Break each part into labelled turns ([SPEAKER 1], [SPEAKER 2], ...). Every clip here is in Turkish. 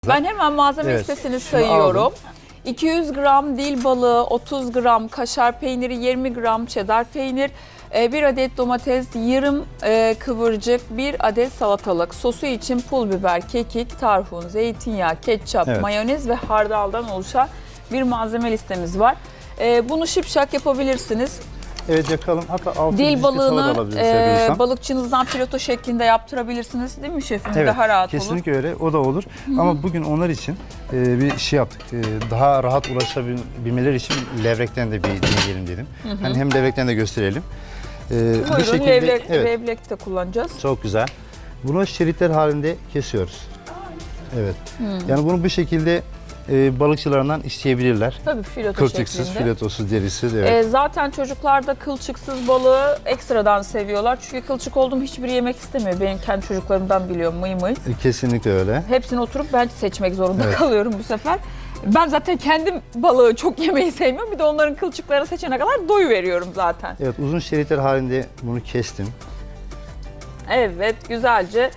[SPEAKER 1] Ben hemen malzeme listesini sayıyorum.
[SPEAKER 2] Aldım.
[SPEAKER 1] 200 gram dil balığı, 30 gram kaşar peyniri, 20 gram cheddar peynir, 1 adet domates, yarım kıvırcık, 1 adet salatalık, sosu için pul biber, kekik, tarhun, zeytinyağı, ketçap, mayonez ve hardaldan oluşan bir malzeme listemiz var. Bunu şipşak yapabilirsiniz.
[SPEAKER 2] Evet, yakalım. Hatta altı
[SPEAKER 1] Dil balığını
[SPEAKER 2] balıkçınızdan
[SPEAKER 1] balıkçınızdan fileto şeklinde yaptırabilirsiniz değil mi şefim?
[SPEAKER 2] evet,
[SPEAKER 1] Daha rahat
[SPEAKER 2] kesinlikle
[SPEAKER 1] olur.
[SPEAKER 2] öyle. O da olur. Ama bugün onlar için bir şey yaptık. Daha rahat ulaşabilmeleri için levrekten de bir deneyelim dedim. Hani hem levrekten de gösterelim.
[SPEAKER 1] Buyurun, levrek de kullanacağız.
[SPEAKER 2] Çok güzel. Bunu şeritler halinde kesiyoruz. Evet. Yani bunu bu şekilde balıkçılarından isteyebilirler.
[SPEAKER 1] Tabii fileto
[SPEAKER 2] Kılçıksız,
[SPEAKER 1] şeklinde.
[SPEAKER 2] filetosuz, derisiz. Evet.
[SPEAKER 1] Zaten çocuklar da kılçıksız balığı ekstradan seviyorlar. Çünkü kılçık olduğum hiçbiri yemek istemiyor. Benim kendi çocuklarımdan biliyorum, mıy mıy.
[SPEAKER 2] Kesinlikle öyle.
[SPEAKER 1] Hepsini oturup ben seçmek zorunda kalıyorum bu sefer. Ben zaten kendim balığı çok yemeyi sevmiyorum. Bir de onların kılçıklarını seçene kadar doyu veriyorum zaten.
[SPEAKER 2] Evet, uzun şeritler halinde bunu kestim.
[SPEAKER 1] Evet, güzelce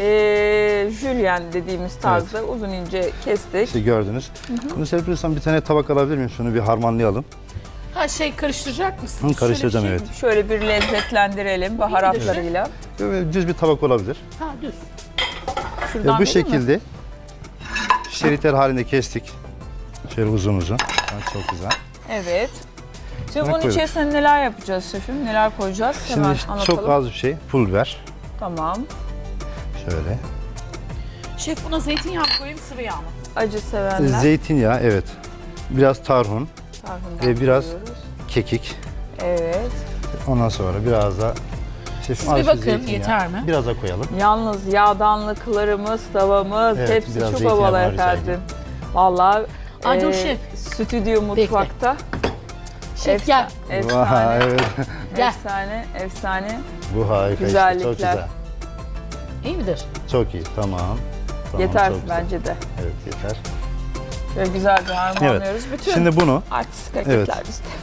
[SPEAKER 1] jülyen dediğimiz tarzda uzun ince kestik.
[SPEAKER 2] İşte gördünüz. Bunu serpilirsem bir tane tabak alabilir miyim? Şunu bir harmanlayalım.
[SPEAKER 3] Ha karıştıracak mısın?
[SPEAKER 2] Karıştıracağım, evet.
[SPEAKER 1] Şöyle bir lezzetlendirelim baharatlarıyla.
[SPEAKER 2] Düz bir tabak olabilir.
[SPEAKER 3] Ha düz.
[SPEAKER 1] Şuradan
[SPEAKER 2] Bu
[SPEAKER 1] vereyim mi?
[SPEAKER 2] şekilde şeritler halinde kestik. Şöyle uzun uzun. Çok güzel.
[SPEAKER 1] Evet. Şimdi
[SPEAKER 2] Buna
[SPEAKER 1] bunun
[SPEAKER 2] koyalım.
[SPEAKER 1] içerisine neler yapacağız şefim? Neler koyacağız? Hemen
[SPEAKER 2] Şimdi
[SPEAKER 1] anlatalım.
[SPEAKER 2] çok az bir şey. Pul biber.
[SPEAKER 1] Tamam.
[SPEAKER 2] Şöyle.
[SPEAKER 3] Şef buna zeytinyağı mı koyayım, sıvı yağ mı?
[SPEAKER 1] Acı sevenler.
[SPEAKER 2] Zeytinyağı, evet. Biraz tarhun,
[SPEAKER 1] Tarhundan
[SPEAKER 2] biraz
[SPEAKER 1] koyuyoruz.
[SPEAKER 2] kekik.
[SPEAKER 1] Evet.
[SPEAKER 2] Ondan sonra biraz da
[SPEAKER 3] Siz
[SPEAKER 2] az
[SPEAKER 3] bir bakın,
[SPEAKER 2] zeytinyağı.
[SPEAKER 3] yeter mi?
[SPEAKER 2] Biraz da koyalım.
[SPEAKER 1] Yalnız yağdanlıklarımız, tavamız
[SPEAKER 2] Evet,
[SPEAKER 1] hepsi
[SPEAKER 2] biraz
[SPEAKER 1] çok
[SPEAKER 2] zeytinyağı
[SPEAKER 1] havalı
[SPEAKER 2] var
[SPEAKER 1] efendim.
[SPEAKER 2] üzerinde.
[SPEAKER 1] Vallahi
[SPEAKER 3] Ay, dur şef.
[SPEAKER 1] stüdyo mutfakta.
[SPEAKER 3] Şef gel.
[SPEAKER 1] Efsane.
[SPEAKER 2] Vay, evet.
[SPEAKER 3] Gel.
[SPEAKER 1] Efsane, efsane.
[SPEAKER 2] Bu harika işte.
[SPEAKER 1] Güzellikler.
[SPEAKER 2] Çok güzel.
[SPEAKER 3] İyi midir?
[SPEAKER 2] Çok iyi. Tamam.
[SPEAKER 1] Yeter
[SPEAKER 2] çok güzel.
[SPEAKER 1] bence de.
[SPEAKER 2] Evet, yeter.
[SPEAKER 1] Böyle güzelce harmanlıyoruz. Bütün
[SPEAKER 2] Şimdi bunu
[SPEAKER 1] artistik hareketler
[SPEAKER 2] Evet.
[SPEAKER 1] bizde.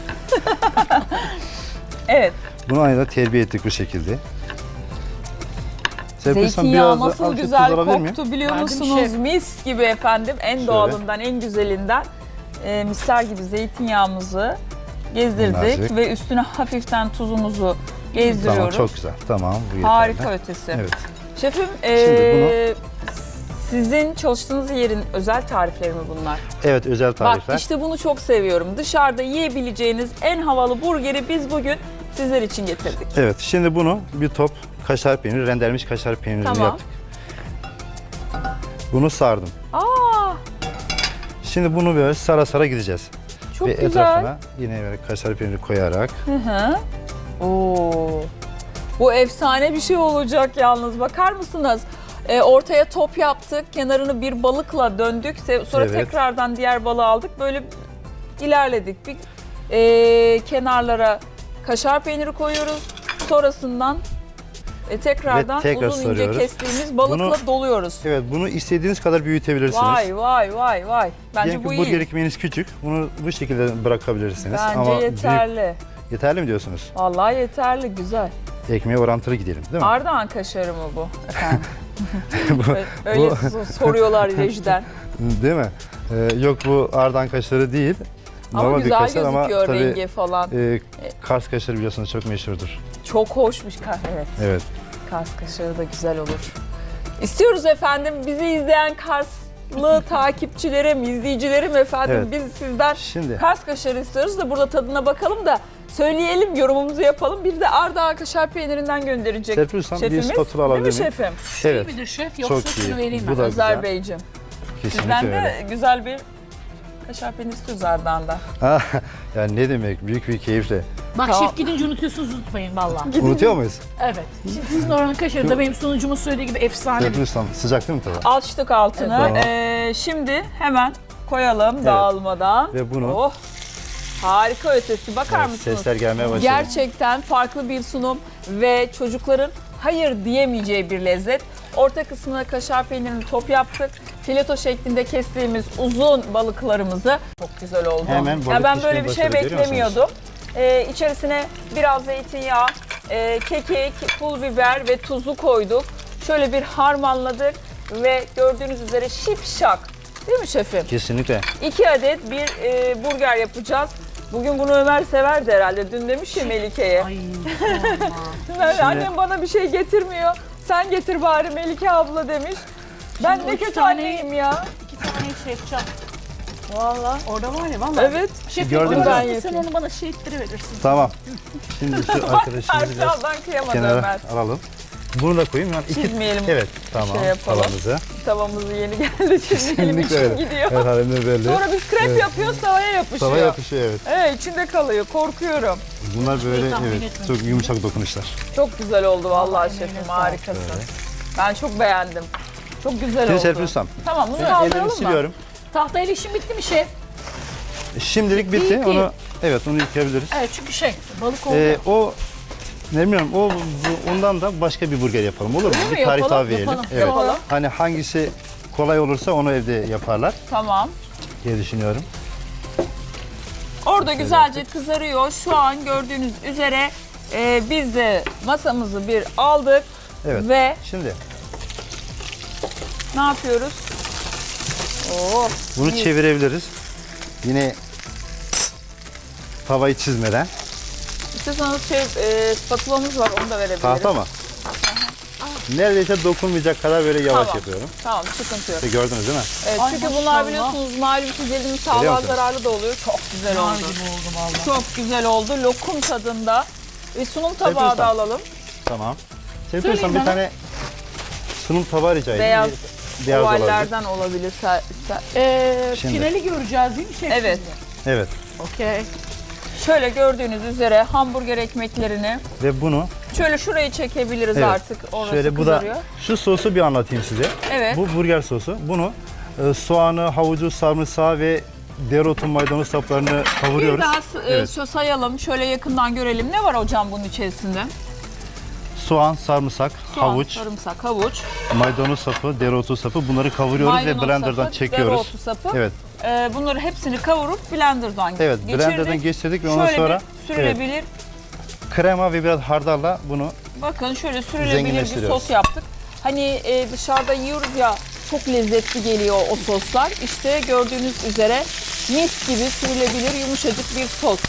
[SPEAKER 1] Evet.
[SPEAKER 2] Bunu aynı da terbiye ettik bu şekilde. Serpilsem
[SPEAKER 1] Zeytinyağı
[SPEAKER 2] biraz da
[SPEAKER 1] nasıl
[SPEAKER 2] azıcık
[SPEAKER 1] güzel
[SPEAKER 2] tuz alabilir miyim?
[SPEAKER 1] koktu biliyor
[SPEAKER 3] Verdim
[SPEAKER 1] musunuz?
[SPEAKER 3] şef.
[SPEAKER 1] Mis gibi efendim. En
[SPEAKER 2] Şöyle.
[SPEAKER 1] doğalından, en güzelinden misler gibi zeytinyağımızı gezdirdik
[SPEAKER 2] Minnacık.
[SPEAKER 1] ve üstüne hafiften tuzumuzu gezdiriyoruz.
[SPEAKER 2] Tamam, çok güzel. Tamam, bu yeterli.
[SPEAKER 1] Harika ötesi.
[SPEAKER 2] Evet.
[SPEAKER 1] Şefim,
[SPEAKER 2] Şimdi
[SPEAKER 1] sizin çalıştığınız yerin özel tarifleri mi bunlar?
[SPEAKER 2] Evet, özel tarifler.
[SPEAKER 1] Bak işte bunu çok seviyorum. Dışarıda yiyebileceğiniz en havalı burgeri biz bugün sizler için getirdik.
[SPEAKER 2] Evet, şimdi bunu bir top kaşar peyniri, rendelenmiş kaşar peynirini
[SPEAKER 1] Tamam.
[SPEAKER 2] yaptık. Bunu sardım.
[SPEAKER 1] Aa,
[SPEAKER 2] Şimdi bunu böyle sara sara gideceğiz.
[SPEAKER 1] çok
[SPEAKER 2] Ve
[SPEAKER 1] güzel.
[SPEAKER 2] etrafına yine böyle kaşar peyniri koyarak.
[SPEAKER 1] Hı hı. Oo. Bu efsane bir şey olacak yalnız. Bakar mısınız? Ortaya top yaptık. Kenarını bir balıkla döndük. Sonra
[SPEAKER 2] Evet.
[SPEAKER 1] tekrardan diğer balığı aldık. Böyle ilerledik. Bir kenarlara kaşar peyniri koyuyoruz. Sonrasından tekrardan
[SPEAKER 2] Ve tekrar
[SPEAKER 1] uzun ince
[SPEAKER 2] sarıyoruz.
[SPEAKER 1] kestiğimiz balıkla
[SPEAKER 2] Bunu-
[SPEAKER 1] doluyoruz.
[SPEAKER 2] Evet, bunu istediğiniz kadar büyütebilirsiniz.
[SPEAKER 1] Vay vay vay vay. Bence
[SPEAKER 2] Diyelim
[SPEAKER 1] bu
[SPEAKER 2] ki
[SPEAKER 1] iyi.
[SPEAKER 2] burger ekmeğiniz küçük, bunu bu şekilde bırakabilirsiniz.
[SPEAKER 1] Bence
[SPEAKER 2] Ama
[SPEAKER 1] yeterli.
[SPEAKER 2] yeterli mi diyorsunuz?
[SPEAKER 1] Vallahi yeterli, güzel.
[SPEAKER 2] Ekmeğe orantılı gidelim, değil mi?
[SPEAKER 1] Ardahan kaşarı mı bu efendim?
[SPEAKER 2] Bu-
[SPEAKER 1] Öyle soruyorlar rejiden.
[SPEAKER 2] Değil mi? Yok, bu Ardahan kaşarı değil.
[SPEAKER 1] Ama
[SPEAKER 2] Normal bir
[SPEAKER 1] güzel
[SPEAKER 2] kaşar ama
[SPEAKER 1] gözüküyor
[SPEAKER 2] tabii
[SPEAKER 1] rengi falan.
[SPEAKER 2] Kars kaşarı biliyorsunuz çok meşhurdur.
[SPEAKER 1] Çok hoşmuş. Evet,
[SPEAKER 2] Evet.
[SPEAKER 1] Kars kaşarı da güzel olur. İstiyoruz efendim bizi izleyen Karslı takipçilerim, izleyicilerim efendim.
[SPEAKER 2] Evet.
[SPEAKER 1] Biz sizden
[SPEAKER 2] Şimdi
[SPEAKER 1] Kars kaşarı istiyoruz da burada tadına bakalım da söyleyelim, yorumumuzu yapalım. Bir de Ardahan kaşar peynirinden gönderecek
[SPEAKER 2] serpilsem bir
[SPEAKER 1] şefimiz.
[SPEAKER 2] spatula
[SPEAKER 1] Değil mi
[SPEAKER 2] alabilir miyim?
[SPEAKER 1] şefim?
[SPEAKER 2] Evet.
[SPEAKER 3] İyi midir şef?
[SPEAKER 2] Çok
[SPEAKER 3] Yoksa
[SPEAKER 2] iyi.
[SPEAKER 3] şunu vereyim
[SPEAKER 2] Bu
[SPEAKER 3] mi?
[SPEAKER 2] da
[SPEAKER 1] Özer
[SPEAKER 2] güzel.
[SPEAKER 1] Beyciğim.
[SPEAKER 2] Kesinlikle
[SPEAKER 1] Bizden
[SPEAKER 2] öyle.
[SPEAKER 1] de güzel bir kaşar peyniri istiyoruz Ardahan'da.
[SPEAKER 2] Yani ne demek? Büyük bir keyifle.
[SPEAKER 3] Bak
[SPEAKER 1] Tamam.
[SPEAKER 3] şef gidince unutuyorsunuz, unutmayın valla.
[SPEAKER 2] Unutuyor muyuz?
[SPEAKER 3] Evet. Şimdi sizin oranın kaşarı da benim sunucumun söylediği gibi efsane bir.
[SPEAKER 2] Serpilsem sıcak değil mi tabii?
[SPEAKER 1] Açtık altını.
[SPEAKER 2] Evet.
[SPEAKER 1] Şimdi hemen koyalım dağılmadan.
[SPEAKER 2] Ve bunu-
[SPEAKER 1] Oh, harika ötesi. Bakar
[SPEAKER 2] Evet,
[SPEAKER 1] mısınız?
[SPEAKER 2] sesler gelmeye başladı.
[SPEAKER 1] Gerçekten farklı bir sunum ve çocukların hayır diyemeyeceği bir lezzet. Orta kısmına kaşar peynirini top yaptık. Fileto şeklinde kestiğimiz uzun balıklarımızı çok güzel oldu.
[SPEAKER 2] Hemen balık
[SPEAKER 1] ben böyle
[SPEAKER 2] pişmeye
[SPEAKER 1] bir şey
[SPEAKER 2] başladı, görüyor musunuz?
[SPEAKER 1] beklemiyordum. İçerisine biraz zeytinyağı, kekik, pul biber ve tuzu koyduk. Şöyle bir harmanladık. ve gördüğünüz üzere şipşak. Değil mi şefim?
[SPEAKER 2] Kesinlikle.
[SPEAKER 1] 2 adet bir burger yapacağız. Bugün bunu Ömer severdi herhalde. Dün demiş ya Melike'ye.
[SPEAKER 3] Ay sorma.
[SPEAKER 1] Ömer, annem bana bir şey getirmiyor. Sen getir bari Melike abla demiş. Ben
[SPEAKER 3] Şimdi
[SPEAKER 1] ne
[SPEAKER 3] o iki
[SPEAKER 1] kötü
[SPEAKER 3] tane-
[SPEAKER 1] anneyim ya.
[SPEAKER 3] 2 tane şey yapacağım.
[SPEAKER 1] Vallahi.
[SPEAKER 3] Orada var ya vallahi.
[SPEAKER 1] Evet.
[SPEAKER 3] Şefim
[SPEAKER 2] Gördünüz
[SPEAKER 3] onu
[SPEAKER 2] mü?
[SPEAKER 3] ben
[SPEAKER 1] Ben
[SPEAKER 3] sen onu bana şey verirsin.
[SPEAKER 2] Tamam. Şimdi şu arkadaşımızı biraz
[SPEAKER 1] Erşan'dan kıyamadı
[SPEAKER 2] kenara
[SPEAKER 1] Ömer.
[SPEAKER 2] alalım. Bunu da koyayım. Yani
[SPEAKER 1] Çizmeyelim.
[SPEAKER 2] Evet, tamam.
[SPEAKER 1] Şey yapalım.
[SPEAKER 2] Tavamızı.
[SPEAKER 1] Tavamız yeni geldi. Çizmeyelim
[SPEAKER 2] Kesinlikle
[SPEAKER 1] için
[SPEAKER 2] öyle.
[SPEAKER 1] gidiyor.
[SPEAKER 2] Evet, halimde belli.
[SPEAKER 1] Sonra biz krep
[SPEAKER 2] Evet.
[SPEAKER 1] yapıyoruz tavaya yapışıyor.
[SPEAKER 2] Tava yapışıyor, evet.
[SPEAKER 1] Evet, içinde kalıyor. Korkuyorum.
[SPEAKER 2] Bunlar böyle
[SPEAKER 3] tahmin
[SPEAKER 2] evet
[SPEAKER 3] etmemiştim.
[SPEAKER 2] çok yumuşak dokunuşlar.
[SPEAKER 1] Çok güzel oldu vallahi
[SPEAKER 3] Vallahi
[SPEAKER 1] şefim.
[SPEAKER 3] emeğine
[SPEAKER 1] Harikasın.
[SPEAKER 2] Böyle.
[SPEAKER 1] Ben çok beğendim. Çok güzel
[SPEAKER 2] Şimdi
[SPEAKER 1] oldu.
[SPEAKER 2] Serpil Ustam,
[SPEAKER 1] Tamam, bunu
[SPEAKER 2] ben ellerimi
[SPEAKER 1] kaldıralım mı?
[SPEAKER 2] siliyorum.
[SPEAKER 3] Tahtayla işim bitti mi şef?
[SPEAKER 2] Şimdilik bitti.
[SPEAKER 3] İyi ki.
[SPEAKER 2] Onu evet onu yıkayabiliriz.
[SPEAKER 3] Evet çünkü balık oldu.
[SPEAKER 2] O ne bilmiyorum ondan da başka bir burger yapalım olur mu?
[SPEAKER 1] Öyle mi?
[SPEAKER 2] Bir tarif
[SPEAKER 1] Yapalım,
[SPEAKER 2] daha verelim.
[SPEAKER 3] yapalım.
[SPEAKER 2] Evet.
[SPEAKER 1] Yapalım.
[SPEAKER 2] Hani hangisi kolay olursa onu evde yaparlar
[SPEAKER 1] Tamam.
[SPEAKER 2] diye düşünüyorum.
[SPEAKER 1] Orada güzelce kızarıyor. Şu an gördüğünüz üzere biz de masamızı bir aldık.
[SPEAKER 2] Evet.
[SPEAKER 1] Ve
[SPEAKER 2] Şimdi
[SPEAKER 1] ne yapıyoruz? Oo,
[SPEAKER 2] bunu
[SPEAKER 1] iyi.
[SPEAKER 2] çevirebiliriz. Yine tavayı çizmeden.
[SPEAKER 1] İstiyorsanız spatulamız var, onu da verebiliriz.
[SPEAKER 2] Tahta mı? Neredeyse dokunmayacak kadar böyle yavaş
[SPEAKER 1] Tamam.
[SPEAKER 2] yapıyorum.
[SPEAKER 1] Tamam, sıkıntı yok.
[SPEAKER 2] Gördünüz değil mi?
[SPEAKER 1] Evet,
[SPEAKER 3] Ay,
[SPEAKER 1] çünkü
[SPEAKER 3] maşallah.
[SPEAKER 1] bunlar biliyorsunuz malum çizelim
[SPEAKER 2] Biliyor
[SPEAKER 1] sağlığa
[SPEAKER 2] musun?
[SPEAKER 1] zararlı da oluyor. Çok güzel
[SPEAKER 3] Nar
[SPEAKER 1] oldu.
[SPEAKER 3] gibi oldu vallahi.
[SPEAKER 1] Çok güzel oldu. Lokum tadında. Sunum tabağı
[SPEAKER 2] Serpil
[SPEAKER 1] da
[SPEAKER 2] Ustam.
[SPEAKER 1] alalım.
[SPEAKER 2] Tamam. Sevgili
[SPEAKER 3] Söyleyin
[SPEAKER 2] Ustam bir
[SPEAKER 3] bana.
[SPEAKER 2] tane sunum tabağı rica edeyim.
[SPEAKER 1] Beyaz
[SPEAKER 2] Beyaz olabilir.
[SPEAKER 1] ovallerden olabilir.
[SPEAKER 2] Şimdi.
[SPEAKER 3] Finali göreceğiz değil mi şef?
[SPEAKER 1] Evet.
[SPEAKER 3] şimdi?
[SPEAKER 2] Evet.
[SPEAKER 3] Okey.
[SPEAKER 1] Şöyle gördüğünüz üzere hamburger ekmeklerini
[SPEAKER 2] Ve bunu
[SPEAKER 1] şöyle şurayı çekebiliriz
[SPEAKER 2] evet,
[SPEAKER 1] artık. Orası
[SPEAKER 2] şöyle bu
[SPEAKER 1] kızarıyor.
[SPEAKER 2] da şu sosu bir anlatayım size.
[SPEAKER 1] Evet.
[SPEAKER 2] Bu burger sosu. Bunu soğanı, havucu, sarımsağı ve dereotu, maydanoz saplarını
[SPEAKER 1] Bir
[SPEAKER 2] kavuruyoruz.
[SPEAKER 1] daha
[SPEAKER 2] Evet.
[SPEAKER 1] sayalım. Şöyle yakından görelim. Ne var hocam bunun içerisinde?
[SPEAKER 2] Soğan, sarımsak,
[SPEAKER 1] Soğan,
[SPEAKER 2] havuç,
[SPEAKER 1] sarımsak, havuç,
[SPEAKER 2] maydanoz sapı, dereotu sapı bunları kavuruyoruz
[SPEAKER 1] maydanoz
[SPEAKER 2] ve blenderdan
[SPEAKER 1] sapı,
[SPEAKER 2] çekiyoruz.
[SPEAKER 1] dereotu sapı.
[SPEAKER 2] Evet.
[SPEAKER 1] Bunları hepsini kavurup blenderdan
[SPEAKER 2] Evet,
[SPEAKER 1] geçirdik.
[SPEAKER 2] blenderdan geçirdik ve ondan
[SPEAKER 1] Şöyle
[SPEAKER 2] sonra
[SPEAKER 1] bir sürülebilir.
[SPEAKER 2] krema ve biraz hardalla bunu
[SPEAKER 1] Bakın şöyle sürülebilir bir
[SPEAKER 2] Zenginleştiriyoruz.
[SPEAKER 1] sos yaptık. Hani dışarıda yiyoruz ya, çok lezzetli geliyor o soslar. İşte gördüğünüz üzere mis gibi sürülebilir yumuşacık bir sos.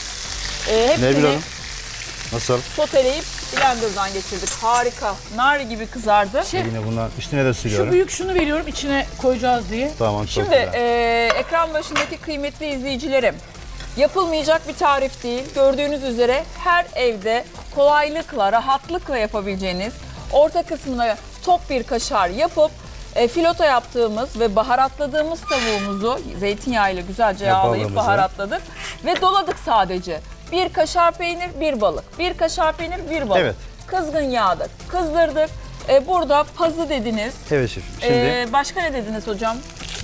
[SPEAKER 2] ne
[SPEAKER 1] Hepsini
[SPEAKER 2] bileyim nasıl?
[SPEAKER 1] soteleyip blenderdan geçirdik. Harika. Nar gibi kızardı.
[SPEAKER 2] Yine bundan üstüne de
[SPEAKER 3] Şu
[SPEAKER 2] sürüyorum.
[SPEAKER 3] büyük şunu veriyorum içine koyacağız diye.
[SPEAKER 2] Tamam çok
[SPEAKER 1] Şimdi
[SPEAKER 2] güzel.
[SPEAKER 1] ekran başındaki kıymetli izleyicilerim, yapılmayacak bir tarif değil. Gördüğünüz üzere her evde kolaylıkla, rahatlıkla yapabileceğiniz, orta kısmına top bir kaşar yapıp fileto yaptığımız ve baharatladığımız tavuğumuzu zeytinyağıyla güzelce yağlayıp
[SPEAKER 2] balığımızı.
[SPEAKER 1] baharatladık ve doladık sadece. Bir kaşar peynir, bir balık. Bir kaşar peynir, bir balık.
[SPEAKER 2] Evet.
[SPEAKER 1] Kızgın yağda kızdırdık. Burada pazı dediniz.
[SPEAKER 2] Evet şefim. Şimdi
[SPEAKER 1] Başka ne dediniz hocam?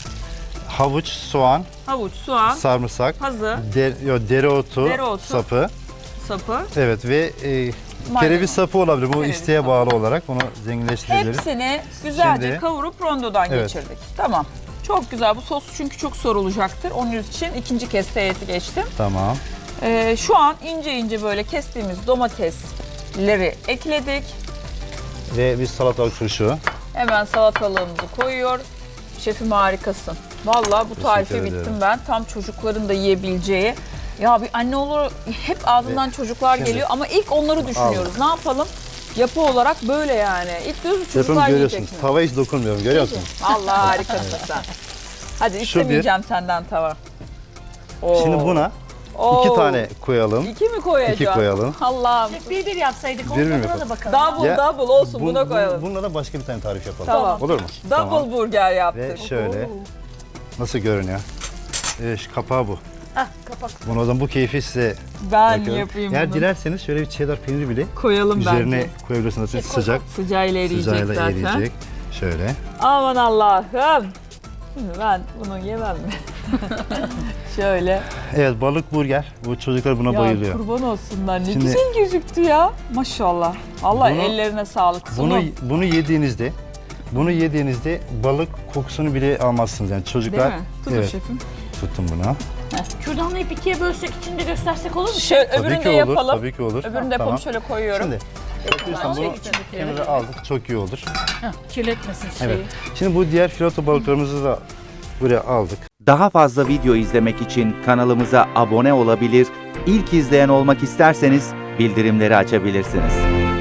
[SPEAKER 2] havuç, soğan,
[SPEAKER 1] Havuç, soğan,
[SPEAKER 2] sarımsak,
[SPEAKER 1] pazı,
[SPEAKER 2] dereotu,
[SPEAKER 1] Dereotu.
[SPEAKER 2] sapı.
[SPEAKER 1] sapı.
[SPEAKER 2] Evet ve kereviz sapı olabilir. Bu
[SPEAKER 1] Kereviz
[SPEAKER 2] isteğe
[SPEAKER 1] sapı.
[SPEAKER 2] bağlı olarak bunu zenginleştirebiliriz.
[SPEAKER 1] Hepsini güzelce
[SPEAKER 2] Şimdi-
[SPEAKER 1] kavurup rondodan
[SPEAKER 2] Evet.
[SPEAKER 1] geçirdik. Tamam. Çok güzel. Bu sos çünkü çok sorulacaktır. Onun için ikinci kez teğeti geçtim.
[SPEAKER 2] Tamam.
[SPEAKER 1] Şu an ince ince böyle kestiğimiz domatesleri ekledik.
[SPEAKER 2] Ve bir salatalık turşu.
[SPEAKER 1] Hemen salatalığımızı koyuyor. Şefim harikasın. Vallahi bu tarife
[SPEAKER 2] Teşekkür ederim.
[SPEAKER 1] bittim ben. Tam çocukların da yiyebileceği. Ya bir anne olur hep ağzından çocuklar
[SPEAKER 2] şimdi-
[SPEAKER 1] geliyor ama ilk onları düşünüyoruz. Ne yapalım? Yapı olarak böyle yani. İlk diyoruz ki
[SPEAKER 2] Şefim
[SPEAKER 1] çocuklar yiyecek
[SPEAKER 2] görüyorsunuz.
[SPEAKER 1] mi?
[SPEAKER 2] Tava hiç dokunmuyorum. Görüyor musun?
[SPEAKER 1] Vallahi harikasın sen. Hadi
[SPEAKER 2] Şu
[SPEAKER 1] istemeyeceğim senden tava. Oo.
[SPEAKER 2] Şimdi buna
[SPEAKER 1] Oo.
[SPEAKER 2] 2 tane koyalım.
[SPEAKER 1] İki mi koyacağım?
[SPEAKER 2] 2 koyalım.
[SPEAKER 1] Allah'ım.
[SPEAKER 3] Şef bir yapsaydık
[SPEAKER 2] Bir
[SPEAKER 3] onun
[SPEAKER 2] mi
[SPEAKER 3] tadına
[SPEAKER 2] yapalım?
[SPEAKER 3] da bakalım.
[SPEAKER 1] Double
[SPEAKER 2] Ya,
[SPEAKER 1] double olsun buna koyalım.
[SPEAKER 2] Bununla da başka bir tane tarif yapalım.
[SPEAKER 1] Tamam.
[SPEAKER 2] Olur mu?
[SPEAKER 1] Double
[SPEAKER 2] Tamam.
[SPEAKER 1] burger
[SPEAKER 2] Ve
[SPEAKER 1] yaptık.
[SPEAKER 2] şöyle nasıl görünüyor? Şu kapağı bu.
[SPEAKER 3] Hah kapak.
[SPEAKER 2] Bunu o zaman bu keyfi size
[SPEAKER 1] Ben
[SPEAKER 2] bırakıyorum.
[SPEAKER 1] yapayım
[SPEAKER 2] Eğer
[SPEAKER 1] bunu.
[SPEAKER 2] dilerseniz şöyle bir cheddar peyniri bile
[SPEAKER 1] Koyalım
[SPEAKER 2] üzerine
[SPEAKER 1] bence.
[SPEAKER 2] koyabilirsiniz.
[SPEAKER 3] koy,
[SPEAKER 2] Sıcak.
[SPEAKER 1] Sıcağıyla eriyecek
[SPEAKER 2] Sıcağıyla
[SPEAKER 1] zaten.
[SPEAKER 2] eriyecek. Şöyle.
[SPEAKER 1] Aman Allah'ım. Şimdi ben bunu yemem mi? Şöyle.
[SPEAKER 2] Evet balık burger. Bu çocuklar buna
[SPEAKER 1] Ya
[SPEAKER 2] bayılıyor.
[SPEAKER 1] kurban olsunlar. Ne
[SPEAKER 2] Şimdi-
[SPEAKER 1] güzel gözüktü ya. Maşallah. Allah
[SPEAKER 2] Bunu-
[SPEAKER 1] ellerine sağlık.
[SPEAKER 2] Bunu yediğinizde balık kokusunu bile almazsınız yani çocuklar.
[SPEAKER 1] Değil mi? Tutun
[SPEAKER 2] Evet.
[SPEAKER 1] şefim.
[SPEAKER 2] Tuttum bunu.
[SPEAKER 3] Kürdanlayıp ikiye bölsek içinde göstersek olur mu?
[SPEAKER 1] Şöyle
[SPEAKER 2] Tabii
[SPEAKER 1] öbürünü
[SPEAKER 2] ki
[SPEAKER 1] de
[SPEAKER 2] olur.
[SPEAKER 1] yapalım.
[SPEAKER 2] Tabii ki olur.
[SPEAKER 1] Öbürünü de yapalım.
[SPEAKER 2] Tamam.
[SPEAKER 1] Şöyle koyuyorum.
[SPEAKER 2] Şimdi Lütfen bunu kenara aldık. Çok iyi olur.
[SPEAKER 3] Heh, kirletmesin şeyi.
[SPEAKER 2] Evet. Şimdi bu diğer fileto balıklarımızı da buraya aldık.
[SPEAKER 4] Daha fazla video izlemek için kanalımıza abone olabilir, ilk izleyen olmak isterseniz bildirimleri açabilirsiniz.